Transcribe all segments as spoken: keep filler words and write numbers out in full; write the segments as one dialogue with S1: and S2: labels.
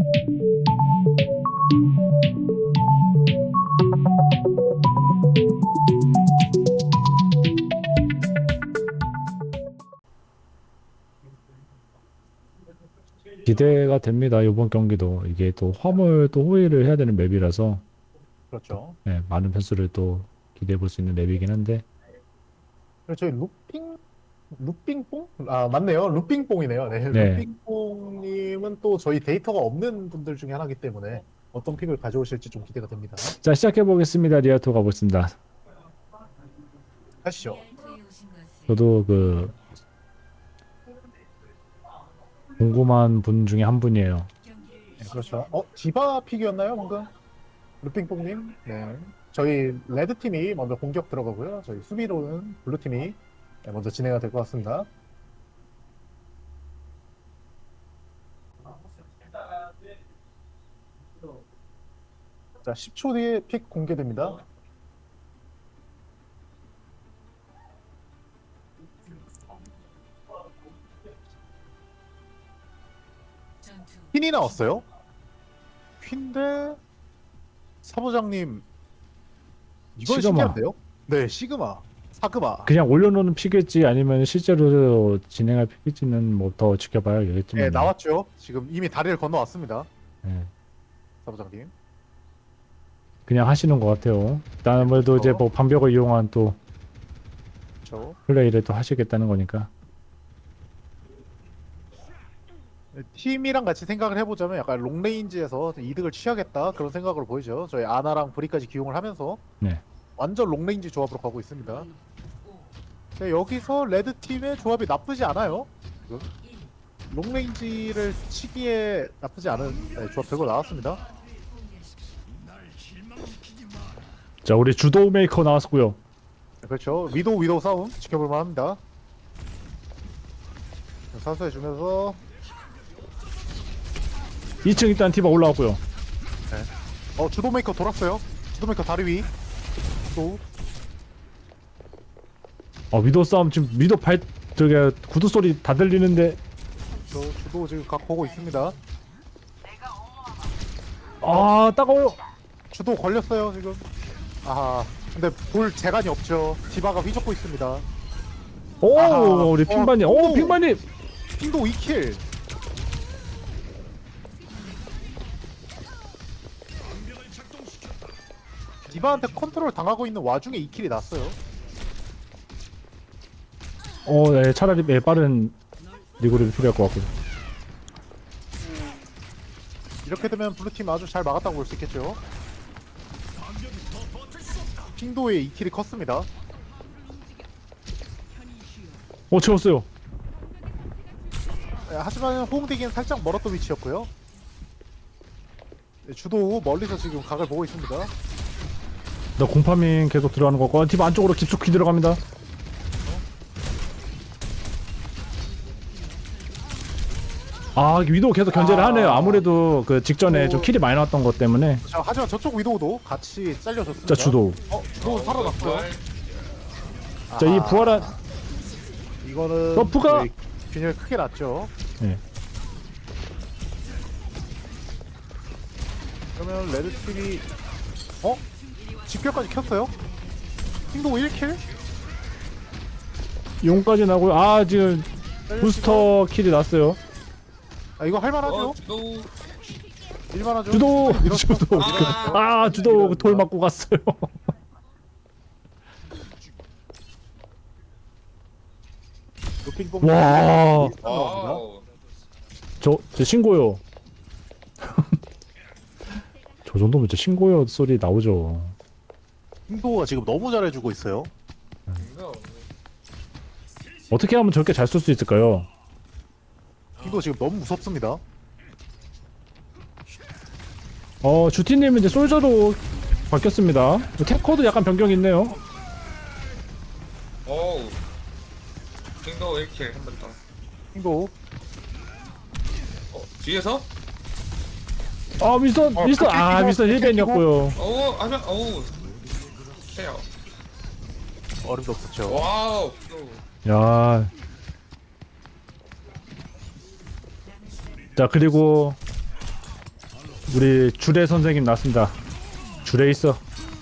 S1: 기대가 됩니다. 이번 경기도 이게 또 화물 또 호위를 해야 되는 맵이라서
S2: 그렇죠.
S1: 네, 많은 변수를 또 기대해 볼 수 있는 맵이긴 한데
S2: 그리고 저희 루핑 루핑뽕? 아 맞네요. 루핑뽕이네요. 네.
S1: 네.
S2: 루핑뽕님은 또 저희 데이터가 없는 분들 중에 하나이기 때문에 어떤 픽을 가져오실지 좀 기대가 됩니다.
S1: 자, 시작해 보겠습니다. 리아토 가보겠습니다.
S2: 하시죠.
S1: 저도 그 궁금한 분 중에 한 분이에요.
S2: 네, 그렇죠. 어 디바 픽이었나요 방금? 루핑뽕님. 네. 저희 레드 팀이 먼저 공격 들어가고요. 저희 수비로는 블루 팀이 네, 먼저 진행이 될 것 같습니다. 자, 십 초 뒤에 픽 공개됩니다. 퀸이 나왔어요? 퀸데 사부장님 이건
S1: 시그마.
S2: 신기한데요? 네, 시그마, 사그마.
S1: 그냥 올려놓는 픽일지 아니면 실제로 진행할 픽일지는 뭐 더 지켜봐야겠지만.
S2: 네, 나왔죠. 지금 이미 다리를 건너왔습니다.
S1: 네,
S2: 사부장님.
S1: 그냥 하시는 것 같아요. 일단 아무래도 이제 뭐 방벽을 이용한 또
S2: 그렇죠.
S1: 플레이를 또 하시겠다는 거니까.
S2: 팀이랑 같이 생각을 해보자면 약간 롱레인지에서 이득을 취하겠다 그런 생각으로 보이죠. 저희 아나랑 브리까지 기용을 하면서
S1: 네.
S2: 완전 롱레인지 조합으로 가고 있습니다. 네, 여기서 레드 팀의 조합이 나쁘지 않아요. 지금. 롱레인지를 치기에 나쁘지 않은 네, 조합 들고 나왔습니다.
S1: 자, 우리 주도 메이커 나왔고요.
S2: 네, 그렇죠. 위도우 위도우 싸움 지켜볼만 합니다. 사수해주면서
S1: 이 층 일단 티바 올라왔고요.
S2: 어 주도 메이커 돌았어요. 주도 메이커 다리 위. 또
S1: 어, 위도 싸움 지금 위도 발 저게 구두 소리 다 들리는데
S2: 저 주도 지금 각 보고 있습니다.
S1: 아 따가워요.
S2: 주도 걸렸어요 지금. 아 근데 볼 재간이 없죠. 디바가 휘젓고 있습니다.
S1: 오
S2: 아하.
S1: 우리
S2: 어,
S1: 핑반님. 오
S2: 오.
S1: 핑반님.
S2: 핑도 이 킬. 디바한테 컨트롤 당하고 있는 와중에 이 킬이 났어요.
S1: 어, 네, 차라리 네, 빠른 리그룹이 필요할 것 같고요.
S2: 이렇게 되면 블루팀 아주 잘 막았다고 볼 수 있겠죠. 핑도의 이 킬이 컸습니다.
S1: 어 채웠어요.
S2: 네, 하지만 호응되기엔 살짝 멀었던 위치였고요. 네, 주도 멀리서 지금 각을 보고 있습니다.
S1: 나 공파밍 계속 들어가는 거 같고 팀 안쪽으로 깊숙이 들어갑니다. 아 위도 계속 견제를
S2: 아.
S1: 하네요. 아무래도 그 직전에
S2: 어.
S1: 좀 킬이 많이 나왔던 것 때문에.
S2: 자, 하지만 저쪽 위도우도 같이 잘려줬습니다.
S1: 자 주도.
S2: 어, 주도 살아났고요.
S1: 자 이
S2: 아하.
S1: 부활한.
S2: 이거는
S1: 버프가-
S2: 저희 균열 크게 났죠.
S1: 네.
S2: 그러면 레드 팀이 어? 집결까지 켰어요? 핑도 일 킬?
S1: 용까지 나고요. 아 지금 부스터 킬이 났어요.
S2: 아 이거 할만하죠?
S3: 어, 주도.
S2: 일만하죠?
S1: 주도
S2: 밀었죠?
S1: 주도.
S3: 아.
S1: 아 주도 돌 맞고 갔어요.
S2: 루핑
S1: 와.
S3: 와우.
S1: 저, 저 신고요. 저 정도면 진짜 신고요 소리 나오죠.
S2: 핑도가 지금 너무 잘해주고 있어요.
S3: 이거
S1: 어떻게 하면 저렇게 잘 쏠 수 있을까요?
S2: 핑도 지금 너무 무섭습니다.
S1: 어, 주티님은 이제 솔저로 바뀌었습니다. 탱커도 약간 변경이 있네요.
S3: 어우. 킹도 일 킬 한 번 더.
S2: 핑도
S3: 어, 뒤에서?
S1: 아, 미스터,
S2: 어,
S1: 미스터,
S2: 그렇게
S1: 아,
S2: 끼고,
S1: 미스터
S2: 그렇게
S1: 힐벤이었고요.
S3: 어우, 하면 어우. 해요.
S2: 어림도 없었죠.
S3: 와우.
S1: 야. 자, 그리고 우리 주례 선생님 나왔습니다. 주례 있어.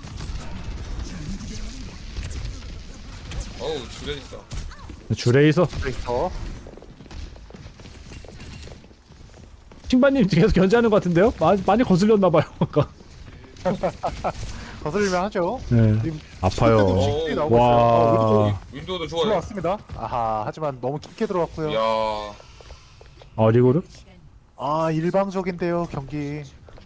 S3: 어우 줄에 있어.
S1: 주례 있어.
S2: 그래서
S1: 킹바님 계속 견제하는 것 같은데요? 많이, 많이 거슬렸나봐요. 아까.
S2: 거슬리면 하죠.
S1: 네.
S2: 지금
S1: 아파요.
S2: 쉽게 나오고
S1: 와.
S2: 있어요. 어, 윈도우
S3: 윈도우도 좋아요.
S2: 들어왔습니다. 아하, 하지만 너무 깊게 들어왔고요.
S3: 야.
S1: 아, 리고르?
S2: 아, 일방적인데요, 경기.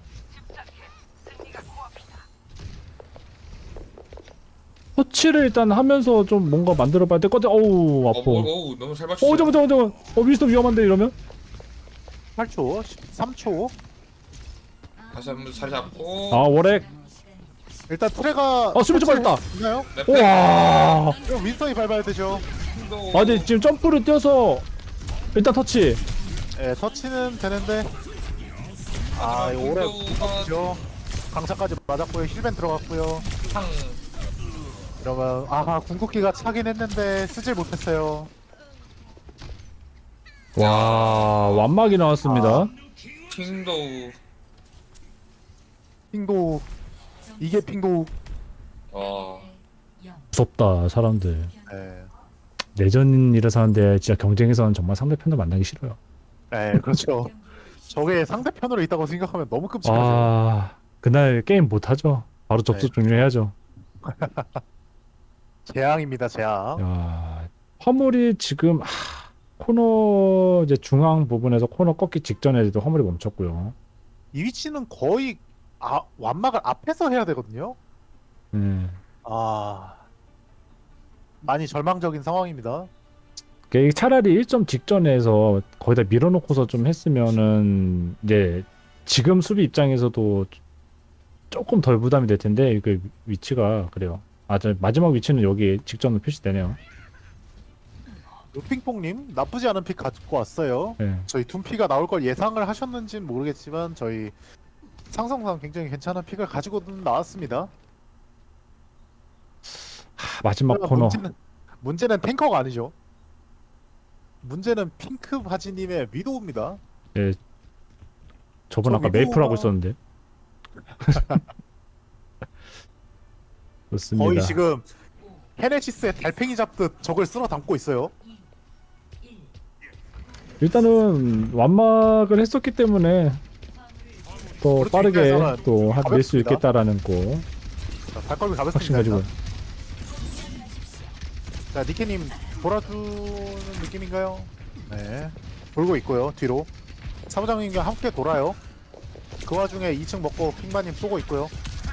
S1: 터치를 일단 하면서 좀 뭔가 만들어봐야 될 것 같아. 어우,
S3: 어,
S1: 아파.
S3: 뭐, 어우 너무 잘 맞췄어.
S1: 어, 잠깐만, 잠깐만, 잠깐만. 어, 윈스턴 위험한데, 이러면?
S2: 팔 초, 십삼 초.
S3: 다시 한번 자리 잡고.
S1: 아, 월액.
S2: 일단 트레가
S1: 아, 수비 좀 빠졌다.
S2: 있나요?
S3: 네, 백.
S1: 우와.
S2: 그럼 윈스턴이 밟아야 되죠.
S3: 윈도우.
S1: 아, 근데 지금 점프를 뛰어서 일단 터치.
S2: 예, 터치는 되는데. 아,
S3: 하지만
S2: 이거 오래
S3: 윈도우가
S2: 죠 강차까지 맞았고요. 힐벤 들어갔고요.
S3: 탕.
S2: 이러면 아하 궁극기가 차긴 했는데 쓰질 못했어요.
S1: 와, 완막이 나왔습니다.
S2: 아.
S3: 킹도우.
S2: 핑도 이게 핑도.
S3: 와.
S1: 무섭다, 사람들.
S2: 예,
S1: 내전이라서 하는데 진짜 경쟁에서는 정말 상대편도 만나기 싫어요.
S2: 예, 그렇죠. 저게 상대편으로 있다고 생각하면 너무 끔찍하죠.
S1: 아, 그날 게임 못하죠. 바로 접속
S2: 네.
S1: 종료해야죠.
S2: 재앙입니다, 재앙.
S1: 야, 화물이 지금 하, 코너 이제 중앙 부분에서 코너 꺾기 직전에도 화물이 멈췄고요.
S2: 이 위치는 거의 아, 완막을 앞에서 해야 되거든요.
S1: 음,
S2: 아, 많이 절망적인 상황입니다.
S1: 이게 차라리 일 점 직전에서 거기다 밀어놓고서 좀 했으면은 이제 지금 수비 입장에서도 조금 덜 부담이 될 텐데 그 위치가 그래요. 아, 저 마지막 위치는 여기 직전으로 표시되네요.
S2: 루핑뽕님 나쁘지 않은 픽 가지고 왔어요.
S1: 네.
S2: 저희 둠피가 나올 걸 예상을 하셨는지는 모르겠지만 저희 상성상 굉장히 괜찮은 픽을 가지고는 나왔습니다.
S1: 하, 마지막
S2: 그러나
S1: 코너.
S2: 문제는, 문제는 탱커가 아니죠. 문제는 핑크 바지님의 위도우입니다.
S1: 예, 저번
S2: 저
S1: 아까
S2: 위도우가-
S1: 메이플 하고 있었는데. 좋습니다.
S2: 거의 지금 헤네시스의 달팽이 잡듯 적을 쓸어 담고 있어요.
S1: 일단은 완막을 했었기 때문에 더
S2: 그렇죠.
S1: 빠르게
S2: 입장에서는
S1: 또 낼 수
S2: 가볍습니다.
S1: 있겠다라는 거
S2: 자, 발걸음이
S1: 확신
S2: 가볍습니다.
S1: 가지고.
S2: 일단. 자, 니케님 돌아주는 느낌인가요? 네. 돌고 있고요. 뒤로. 사부장님과 함께 돌아요. 그 와중에 이 층 먹고 핑마님 쏘고 있고요.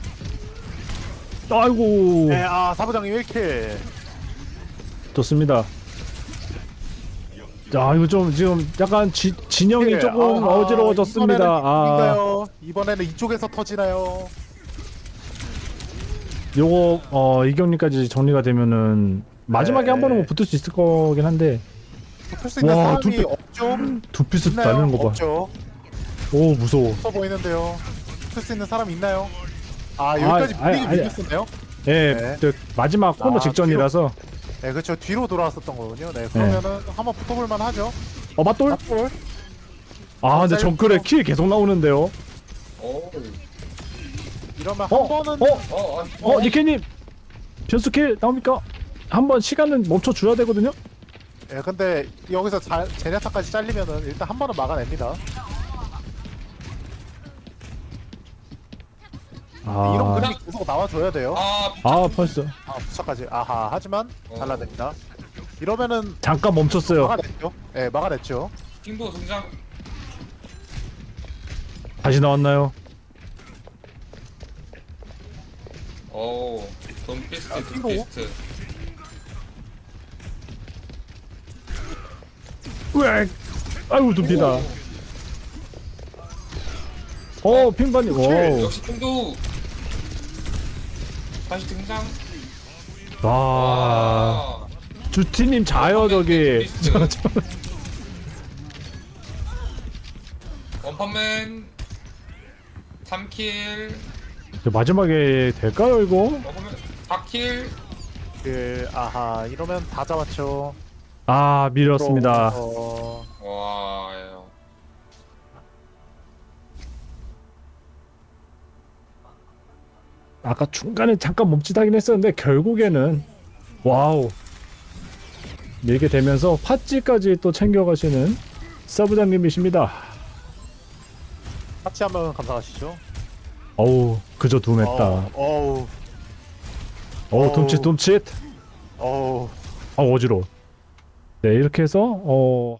S1: 아이고,
S2: 네, 아 사부장님 일 킬.
S1: 좋습니다. 자, 이거 좀 지금 약간 지, 진영이
S2: 네,
S1: 조금
S2: 아하,
S1: 어지러워졌습니다.
S2: 이번에는
S1: 아,
S2: 이긴가요? 이번에는 이쪽에서 터지나요?
S1: 요거 어 이경리까지 정리가 되면은 마지막에
S2: 네.
S1: 한 번은 뭐 붙을 수 있을 거긴 한데
S2: 붙을 수 있는
S1: 와,
S2: 사람이
S1: 두 피-
S2: 없죠?
S1: 두 피스
S2: 있나요?
S1: 날리는 거 봐.
S2: 없죠.
S1: 오, 무서워.
S2: 없어 보이는데요. 붙을 수 있는 사람 있나요? 아 여기까지
S1: 아,
S2: 분위기
S1: 아니,
S2: 밀렸었네요.
S1: 예,
S2: 네.
S1: 저 마지막 코너
S2: 아,
S1: 직전이라서.
S2: 네, 그렇죠. 뒤로 돌아왔었던 거군요. 네, 그러면은 한번 붙어볼 만하죠.
S1: 어, 맞돌?
S2: 맞돌.
S1: 아, 근데
S2: 짧고.
S1: 정글에 킬 계속 나오는데요.
S3: 오.
S2: 이러면
S1: 어,
S2: 한 번은
S1: 어,
S3: 어, 아,
S1: 어, 니케님 변수 킬 나옵니까? 한번 시간은 멈춰 줘야 되거든요.
S2: 예, 근데 여기서 자, 제네타까지 잘리면은 일단 한 번은 막아냅니다.
S1: 아,
S2: 이런 그림이 계속 나와줘야 돼요.
S3: 아,
S1: 아, 벌써
S2: 아, 부착까지. 아하. 하지만
S3: 어.
S2: 잘라냅니다. 이러면은
S1: 잠깐 멈췄어요.
S2: 막아냈죠. 예, 막아냈죠.
S3: 킹도 등장.
S1: 다시 나왔나요?
S3: 오. 돈피스트,
S2: 아, 킹도?
S3: 돈피스트.
S1: 으악! 아이고, 둡니다. 어, 핀반이. 오.
S3: 역시 킹도. 다시 등장.
S1: 와.
S3: 아.
S1: 주티님 자요 저기.
S3: 리스트.
S1: 저, 저,
S3: 원펀맨. 삼 킬.
S1: 저 마지막에 될까요 이거?
S3: 원펀맨 사 킬.
S2: 그 아하. 이러면 다 잡았죠.
S1: 아, 밀었습니다.
S2: 어,
S3: 와.
S1: 아까 중간에 잠깐 멈칫하긴 했었는데 결국에는 와우 밀게 되면서 팥찌까지 또 챙겨가시는 서부장님이십니다.
S2: 같이 한번 감상하시죠.
S1: 어우 그저 둠했다.
S2: 어우, 어우,
S1: 어우 둠칫 둠칫.
S2: 어우.
S1: 아 어지러워. 네 이렇게 해서 어